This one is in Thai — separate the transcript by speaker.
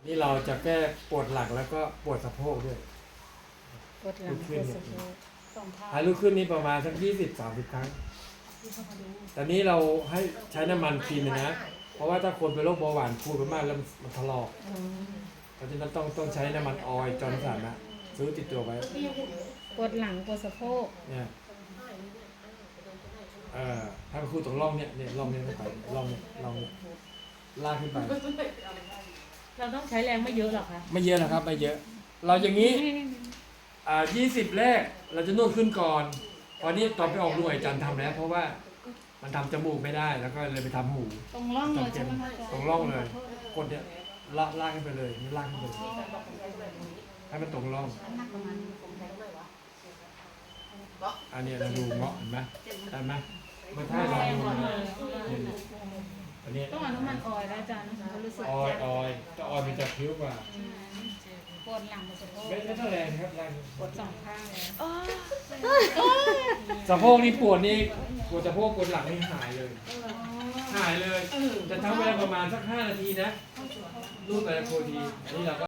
Speaker 1: นี่เราจะแก้ปวดหลังแล้วก็ปวดสะโพกด้วย
Speaker 2: ปวดหลังปวดสะโพกสองข้าง
Speaker 1: หายลุกขึ้นนี่ประมาณสัก20-30 ครั้ง ตอนนี้เราให้ใช้น้ำมันครีมเลยนะ เพราะว่าถ้าคนเป็นโรคเบาหวานพูดไปมากแล้วมันถลอก เพราะฉะนั้นต้องใช้น้ำมันออยล์จอร์นสันนะซื้อติดตัวไว้
Speaker 2: ปวดหลังปวดสะโพก
Speaker 1: เนี่ยถ้าไปคูดตรงร่องเนี่ยร่องเนี่ยเข้าไปร่องเนี่ยลากขึ้นไป
Speaker 3: เราต้องใช้แรงไม่เยอะหรอกคะ
Speaker 1: ไม่เยอะนะครับไม่เยอะ เราอย่างนี้20 แรกเราจะนวดขึ้นก่อนตอนนี้ตอนไปออกหน่วยจันทำแล้ว เพราะว่ามันทำจมูกไม่ได้แล้วก็เลยไปทำหู
Speaker 2: ตรงร่องเลยใช่ไหมคะ
Speaker 1: ตรงร่องเลยกดเนี่ยลากขึ้นไปเลยนี่ลากขึ้นไปเลยให้มันตรงร่องอันนี้เราดูเงาะเห็นไหมได้ไหมมันท่าเราดูนะอันนี้
Speaker 2: ต้องเอาน้ำมันออยล์แล้วอาจารย์นะคะรู้สึก
Speaker 1: ออยจะออยมันจะคิ้วกว่า
Speaker 2: ปวดหลังปวดสะโพก
Speaker 1: ไม่เท่าแรงนะครับแรง
Speaker 2: ปวดสองข้างเลย
Speaker 1: สะโพกนี่ปวดนี่ปวดสะโพกปวดหลังนี่หายเลย หายเลยจะทำเวลาประมาณสัก5 นาทีนะรูปแต่ละโคทีอันนี้เราก็